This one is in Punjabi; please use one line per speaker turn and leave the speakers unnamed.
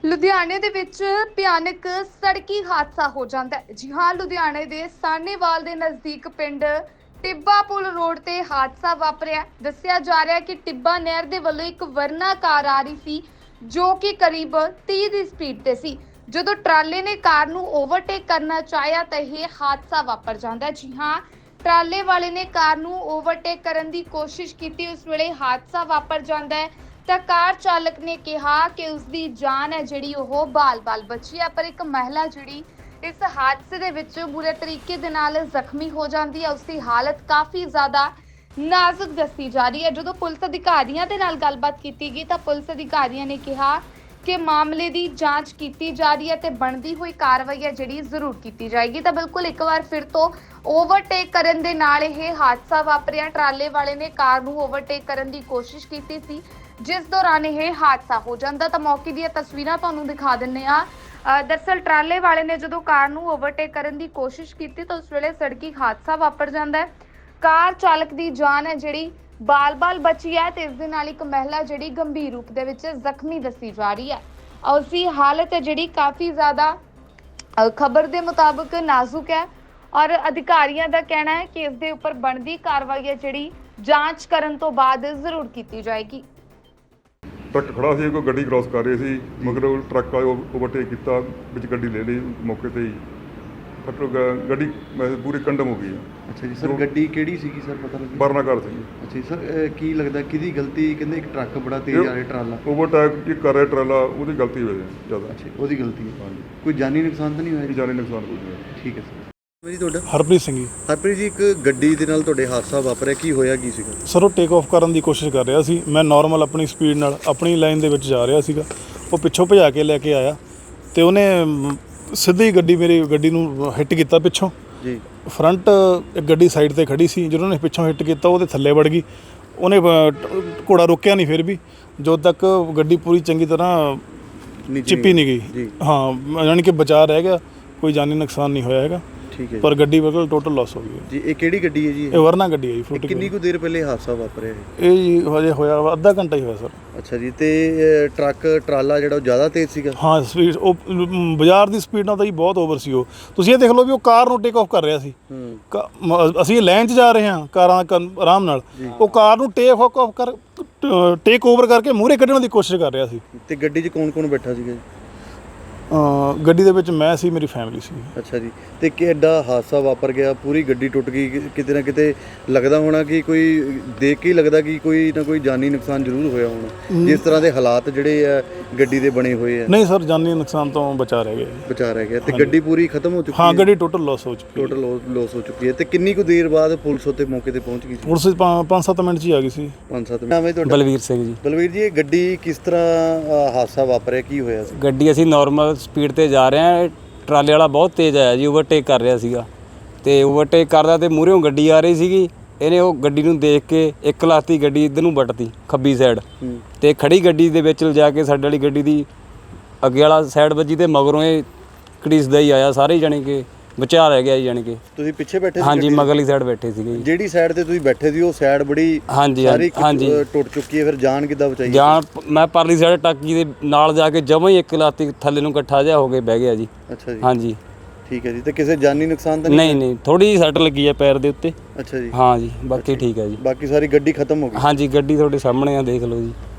ਲੁਧਿਆਣੇ ਦੇ ਵਿੱਚ ਭਿਆਨਕ ਸੜਕੀ ਹਾਦਸਾ ਹੋ ਜਾਂਦਾ ਹੈ। ਜੀ ਹਾਂ, ਲੁਧਿਆਣੇ ਦੇ ਸਾਹਨੇਵਾਲ ਦੇ ਨਜ਼ਦੀਕ ਪਿੰਡ ਟਿੱਬਾ ਪੁਲ ਰੋਡ ਤੇ ਹਾਦਸਾ ਵਾਪਰਿਆ। ਦੱਸਿਆ ਜਾ ਰਿਹਾ ਹੈ ਕਿ ਟਿੱਬਾ ਨਹਿਰ ਦੇ ਵੱਲੋਂ ਇੱਕ ਵਰਨਾ ਕਾਰ ਆ ਰਹੀ ਸੀ ਜੋ ਕਿ ਕਰੀਬ 30 ਦੀ ਸਪੀਡ ਤੇ ਸੀ। ਜਦੋਂ ਟਰਾਲੇ ਨੇ ਕਾਰ ਨੂੰ ਓਵਰਟੇਕ ਕਰਨਾ ਚਾਹਿਆ ਤਾਂ ਇਹ ਹਾਦਸਾ ਵਾਪਰ ਜਾਂਦਾ ਹੈ। ਜੀ ਹਾਂ, ਟਰਾਲੇ ਵਾਲੇ ਨੇ ਕਾਰ ਨੂੰ ਓਵਰਟੇਕ ਕਰਨ ਦੀ ਕੋਸ਼ਿਸ਼ ਕੀਤੀ। ਉਸ ਵੇਲੇ ਹਾਦਸਾ ਵਾਪਰ ਜਾਂਦਾ ਹੈ ਤਾਂ ਕਾਰ ਚਾਲਕ ਨੇ ਕਿਹਾ ਕਿ ਉਸ ਦੀ ਜਾਨ ਹੈ ਜਿਹੜੀ ਉਹ ਬਾਲ-ਬਾਲ ਬਚੀ ਹੈ, ਪਰ ਇੱਕ ਮਹਿਲਾ ਜਿਹੜੀ ਇਸ ਹਾਦਸੇ ਦੇ ਵਿੱਚ ਬੁਰੇ ਤਰੀਕੇ ਦੇ ਨਾਲ ਜ਼ਖਮੀ ਹੋ ਜਾਂਦੀ ਹੈ। ਉਸ ਦੀ ਹਾਲਤ ਕਾਫੀ ਜ਼ਿਆਦਾ ਨਾਜ਼ੁਕ ਦੱਸੀ ਜਾ ਰਹੀ ਹੈ। ਜਦੋਂ ਪੁਲਿਸ ਅਧਿਕਾਰੀਆਂ ਦੇ ਨਾਲ ਗੱਲਬਾਤ ਕੀਤੀ ਗਈ ਤਾਂ ਪੁਲਿਸ ਅਧਿਕਾਰੀਆਂ ਨੇ ਕਿਹਾ ਕਿ ਮਾਮਲੇ ਦੀ ਜਾਂਚ ਕੀਤੀ ਜਾ ਰਹੀ ਹੈ ਤੇ ਬਣਦੀ ਹੋਈ ਕਾਰਵਾਈ ਹੈ ਜਿਹੜੀ ਜ਼ਰੂਰ ਕੀਤੀ ਜਾਏਗੀ। ਤਾਂ ਬਿਲਕੁਲ ਇੱਕ ਵਾਰ ਫਿਰ ਤੋਂ ਓਵਰਟੇਕ ਕਰਨ ਦੇ ਨਾਲ ਇਹ ਹਾਦਸਾ ਵਾਪਰਿਆ। ਟਰਾਲੇ ਵਾਲੇ ਨੇ ਕਾਰ ਨੂੰ ਓਵਰਟੇਕ ਕਰਨ ਦੀ ਕੋਸ਼ਿਸ਼ ਕੀਤੀ ਸੀ, ਜਿਸ ਦੌਰਾਨ ਇਹ ਹਾਦਸਾ ਹੋ ਜਾਂਦਾ। ਤਾਂ ਮੌਕੇ ਦੀਆਂ ਤਸਵੀਰਾਂ ਤੁਹਾਨੂੰ ਦਿਖਾ ਦਿੰਨੇ ਆ। ਦਰਅਸਲ ਟਰਾਲੇ ਵਾਲੇ ਨੇ ਜਦੋਂ ਕਾਰ ਨੂੰ ਓਵਰਟੇਕ ਕਰਨ ਦੀ ਕੋਸ਼ਿਸ਼ ਕੀਤੀ ਤਾਂ ਉਸ ਵੇਲੇ ਸੜਕੀ ਹਾਦਸਾ ਵਾਪਰ ਜਾਂਦਾ ਹੈ। ਕਾਰ ਚਾਲਕ ਦੀ ਜਾਨ ਹੈ ਜਿਹੜੀ ਬਾਲ-ਬਾਲ ਬਚੀ ਹੈ ਤੇ ਇਸ ਦੇ ਨਾਲ ਇੱਕ ਮਹਿਲਾ ਜਿਹੜੀ ਗੰਭੀਰ ਰੂਪ ਦੇ ਵਿੱਚ ਜ਼ਖਮੀ ਦੱਸੀ ਜਾ ਰਹੀ ਹੈ। ਉਸ ਦੀ ਹਾਲਤ ਹੈ ਜਿਹੜੀ ਕਾਫੀ ਜ਼ਿਆਦਾ ਖਬਰ ਦੇ ਮੁਤਾਬਕ ਨਾਜ਼ੁਕ ਹੈ ਔਰ ਅਧਿਕਾਰੀਆਂ ਦਾ ਕਹਿਣਾ ਹੈ ਕਿ ਇਸ ਦੇ ਉੱਪਰ ਬਣਦੀ ਕਾਰਵਾਈ ਹੈ ਜਿਹੜੀ ਜਾਂਚ ਕਰਨ ਤੋਂ ਬਾਅਦ ਜ਼ਰੂਰ ਕੀਤੀ ਜਾਏਗੀ।
ਟਰੱਕ ਖੜਾ ਸੀ, ਕੋਈ ਗੱਡੀ ਕ੍ਰਾਸ ਕਰ ਰਹੀ ਸੀ, ਮਗਰ ਉਹ ਟਰੱਕ ਆਇਆ ਓਵਰਟੇਕ ਕੀਤਾ, ਵਿੱਚ ਗੱਡੀ ਲੈ ਲਈ ਮੌਕੇ ਤੇ ਹੀ। ਗੱਡੀ ਪੂਰੀ ਕੰਡਮ ਹੋ ਗਈ ਹੈ।
ਅੱਛਾ ਜੀ ਸਰ, ਗੱਡੀ ਕਿਹੜੀ ਸੀਗੀ ਸਰ, ਪਤਾ ਲੱਗਿਆ?
ਵਰਨਾ ਕਾਰ ਸੀ।
ਅੱਛਾ ਜੀ ਸਰ, ਕੀ ਲੱਗਦਾ ਕਿਹਦੀ ਗਲਤੀ? ਕਹਿੰਦੇ ਇੱਕ ਟਰੱਕ ਬੜਾ ਤੇਜ਼ ਆ ਰਿਹਾ, ਟਰਾਲਾ
ਓਵਰਟੇਕ ਕਰ ਰਿਹਾ ਟਰਾਲਾ, ਉਹਦੀ ਗਲਤੀ ਹੋਈ ਜ਼ਿਆਦਾ।
ਅੱਛਾ, ਉਹਦੀ ਗਲਤੀ ਹੈ।
ਹਾਂਜੀ,
ਕੋਈ ਜਾਨੀ ਨੁਕਸਾਨ ਤਾਂ ਨਹੀਂ ਹੋਇਆ?
ਜਾਨੀ ਨੁਕਸਾਨ ਕੋਈ ਨਹੀਂ ਹੋਇਆ।
ਠੀਕ ਹੈ ਸਰ। ਜੀ ਤੁਹਾਡਾ?
ਹਰਪ੍ਰੀਤ ਸਿੰਘ ਜੀ।
ਹਰਪ੍ਰੀਤ ਜੀ, ਇੱਕ ਗੱਡੀ ਦੇ ਨਾਲ ਤੁਹਾਡੇ ਹਾਦਸਾ ਵਾਪਰਿਆ, ਕੀ ਹੋਇਆ ਕੀ ਸੀਗਾ?
ਸਰ ਉਹ ਟੇਕ ਆਫ ਕਰਨ ਦੀ ਕੋਸ਼ਿਸ਼ ਕਰ ਰਿਹਾ ਸੀ। ਮੈਂ ਨਾਰਮਲ ਆਪਣੀ ਸਪੀਡ ਨਾਲ ਆਪਣੀ ਲਾਈਨ ਦੇ ਵਿੱਚ ਜਾ ਰਿਹਾ ਸੀਗਾ। ਉਹ ਪਿੱਛੋਂ ਭਜਾ ਕੇ ਲੈ ਕੇ ਆਇਆ ਤੇ ਉਹਨੇ ਸਿੱਧੀ ਮੇਰੀ ਗੱਡੀ ਨੂੰ ਹਿੱਟ ਕੀਤਾ ਪਿੱਛੋਂ
ਜੀ।
ਫਰੰਟ ਇੱਕ ਗੱਡੀ ਸਾਈਡ ਤੇ ਖੜੀ ਸੀ, ਜਦੋਂ ਉਹਨੇ ਪਿੱਛੋਂ ਹਿੱਟ ਕੀਤਾ ਉਹਦੇ ਥੱਲੇ ਵੜ ਗਈ। ਉਹਨੇ ਘੋੜਾ ਰੋਕਿਆ ਨਹੀਂ, ਫਿਰ ਵੀ ਜਦੋਂ ਤੱਕ ਗੱਡੀ ਪੂਰੀ ਚੰਗੀ ਤਰ੍ਹਾਂ ਚਿੱਪੀ ਨਹੀਂ ਗਈ। ਹਾਂ, ਯਾਨੀ ਕਿ ਬਚਾਅ ਰਹਿ ਗਿਆ, ਕੋਈ ਜਾਨੀ ਨੁਕਸਾਨ ਨਹੀਂ ਹੋਇਆ ਹੈਗਾ।
ਠੀਕ ਹੈ
ਪਰ ਗੱਡੀ ਬਿਲਕੁਲ ਟੋਟਲ ਲਾਸ ਹੋ ਗਈ
ਜੀ। ਇਹ ਕਿਹੜੀ ਗੱਡੀ ਹੈ ਜੀ?
ਇਹ ਵਰਨਾ ਗੱਡੀ ਹੈ ਜੀ, ਫਰੂਟੀ।
ਕਿੰਨੀ ਕੁ ਦੇਰ ਪਹਿਲੇ ਹਾਦਸਾ ਵਾਪਰਿਆ
ਇਹ ਜੀ ਹਜੇ ਹੋਇਆ ਅੱਧਾ ਘੰਟਾ ਹੀ ਹੋਇਆ ਸਰ।
ਅੱਛਾ ਜੀ, ਤੇ ਟਰਾਲਾ ਜਿਹੜਾ ਉਹ ਜ਼ਿਆਦਾ ਤੇਜ਼ ਸੀਗਾ?
ਹਾਂ, ਸਪੀਡ ਉਹ ਬਾਜ਼ਾਰ ਦੀ ਸਪੀਡ ਨਾਲ ਤਾਂ ਜੀ ਬਹੁਤ ਓਵਰ ਸੀ। ਉਹ ਤੁਸੀਂ ਇਹ ਦੇਖ ਲਓ ਵੀ ਉਹ ਕਾਰ ਨੂੰ ਟੇਕ ਆਫ ਕਰ ਰਿਹਾ ਸੀ। ਅਸੀਂ ਲਾਈਨ 'ਚ ਜਾ ਰਹੇ ਹਾਂ ਕਾਰਾਂ ਆਰਾਮ ਨਾਲ, ਉਹ ਕਾਰ ਨੂੰ ਟੇਕ ਓਵਰ ਕਰਕੇ ਮੂਹਰੇ ਕੱਢਣ ਦੀ ਕੋਸ਼ਿਸ਼ ਕਰ ਰਿਹਾ ਸੀ।
ਤੇ ਗੱਡੀ 'ਚ ਕੌਣ ਬੈਠਾ ਸੀਗਾ ਜੀ?
ਗੱਡੀ ਦੇ ਵਿੱਚ ਮੈਂ ਸੀ, ਮੇਰੀ ਫੈਮਿਲੀ ਸੀ।
ਅੱਛਾ ਜੀ, ਤੇ ਕਿੱਡਾ ਹਾਦਸਾ ਵਾਪਰ ਗਿਆ, ਪੂਰੀ ਗੱਡੀ ਟੁੱਟ ਗਈ। ਕਿਤੇ ਨਾ ਕਿਤੇ ਲੱਗਦਾ ਹੋਣਾ ਕਿ ਕੋਈ ਦੇਖ ਕੇ ਹੀ ਲੱਗਦਾ ਕਿ ਕੋਈ ਨਾ ਕੋਈ ਜਾਨੀ ਨੁਕਸਾਨ ਜ਼ਰੂਰ ਹੋਇਆ ਹੋਣਾ, ਜਿਸ ਤਰ੍ਹਾਂ ਦੇ ਹਾਲਾਤ ਜਿਹੜੇ ਆ ਗੱਡੀ ਦੇ ਬਣੇ ਹੋਏ ਆ।
ਨਹੀਂ ਸਰ, ਜਾਨੀ ਨੁਕਸਾਨ ਤੋਂ ਬਚਾ ਰਹਿ ਗਿਆ।
ਬਚਾ ਰਹਿ ਗਿਆ। ਤੇ ਗੱਡੀ ਪੂਰੀ ਖਤਮ ਹੋ ਚੁੱਕੀ ਹੈ?
ਹਾਂ, ਗੱਡੀ ਟੋਟਲ ਲਾਸ ਹੋ ਚੁੱਕੀ ਹੈ।
ਟੋਟਲ ਲਾਸ ਹੋ ਚੁੱਕੀ ਹੈ। ਤੇ ਕਿੰਨੀ ਕੁ ਦੇਰ ਬਾਅਦ ਪੁਲਿਸ ਉੱਤੇ ਮੌਕੇ ਤੇ ਪਹੁੰਚ ਗਈ ਸੀ?
ਪੁਲਿਸ 5-7 ਮਿੰਟ 'ਚ ਹੀ ਆ ਗਈ ਸੀ।
5-7 ਮਿੰਟ। ਨਾਮ ਹੈ ਤੁਹਾਡਾ?
ਬਲਵੀਰ ਸਿੰਘ ਜੀ।
ਬਲਵੀਰ ਜੀ, ਇਹ ਗੱਡੀ ਕਿਸ ਤਰ੍ਹਾਂ ਹਾਦਸਾ ਵਾਪਰਿਆ, ਕੀ ਹੋਇਆ ਸੀ?
ਗੱਡੀ ਅਸੀਂ ਨਾਰਮਲ ਸਪੀਡ ਤੇ ਜਾ ਰਹੇ ਹਾਂ, ਟਰਾਲੇ ਵਾਲਾ ਬਹੁਤ ਤੇਜ਼ ਆਇਆ ਜੀ, ਓਵਰਟੇਕ ਕਰ ਰਿਹਾ ਸੀਗਾ ਤੇ ਓਵਰਟੇਕ ਕਰਦਾ ਤੇ ਮੂਹਰੇੋਂ ਗੱਡੀ ਆ ਰਹੀ ਸੀਗੀ। ਇਹਨੇ ਉਹ ਗੱਡੀ ਨੂੰ ਦੇਖ ਕੇ ਇੱਕ ਲਾਤੀ ਗੱਡੀ ਇੱਧਰ ਨੂੰ ਵੱਟਤੀ ਖੱਬੀ ਸਾਈਡ ਤੇ ਖੜੀ ਗੱਡੀ ਦੇ ਵਿੱਚ ਲਿਜਾ ਕੇ ਸਾਡੇ ਵਾਲੀ ਗੱਡੀ ਦੀ ਅੱਗੇ ਵਾਲਾ ਸਾਈਡ ਵੱਜੀ ਤੇ ਮਗਰੋਂ ਇਹ ਘੜੀਸਦਾ ਹੀ ਆਇਆ। ਸਾਰੇ ਜਾਣੀ ਕਿ ਬਚਾ ਰਹਿ ਗਿਆ ਜੀ। ਜਾਣੀ ਕਿ
ਤੁਸੀਂ ਪਿੱਛੇ ਬੈਠੇ ਸੀ?
ਹਾਂਜੀ, ਮਗਰਲੀ ਸਾਈਡ ਬੈਠੇ ਸੀਗੇ ਜੀ।
ਜਿਹੜੀ ਸਾਈਡ ਤੇ ਤੁਸੀਂ ਬੈਠੇ ਸੀ ਉਹ ਸਾਈਡ ਬੜੀ ਸਾਰੀ ਟੁੱਟ ਚੁੱਕੀ ਹੈ, ਫਿਰ ਜਾਨ ਕਿੱਦਾਂ ਬਚਾਈ?
ਜਾਨ ਮੈਂ ਪਰਲੀ ਸਾਈਡ ਟਾਕੀ ਦੇ ਨਾਲ ਜਾ ਕੇ ਜਮਾਂ ਹੀ ਇੱਕ ਲਾਤੀ ਥੱਲੇ ਨੂੰ ਇਕੱਠਾ ਜਿਹਾ ਹੋ ਕੇ ਬਹਿ ਗਿਆ ਜੀ।
ਅੱਛਾ ਜੀ।
ਹਾਂਜੀ,
ਠੀਕ ਹੈ ਜੀ। ਤੇ ਕਿਸੇ ਜਾਨੀ ਨੁਕਸਾਨ ਤਾਂ
ਨਹੀਂ, ਥੋੜੀ ਜਿਹੀ ਸੱਟ ਲੱਗੀ ਹੈ ਪੈਰ ਦੇ ਉੱਤੇ।
ਅੱਛਾ ਜੀ।
ਹਾਂ ਜੀ, ਬਾਕੀ ਠੀਕ ਹੈ ਜੀ।
ਬਾਕੀ ਸਾਰੀ ਗੱਡੀ ਖਤਮ ਹੋ ਗਈ?
ਹਾਂਜੀ, ਗੱਡੀ ਤੁਹਾਡੇ ਸਾਹਮਣੇ ਆ, ਦੇਖ ਲਓ ਜੀ।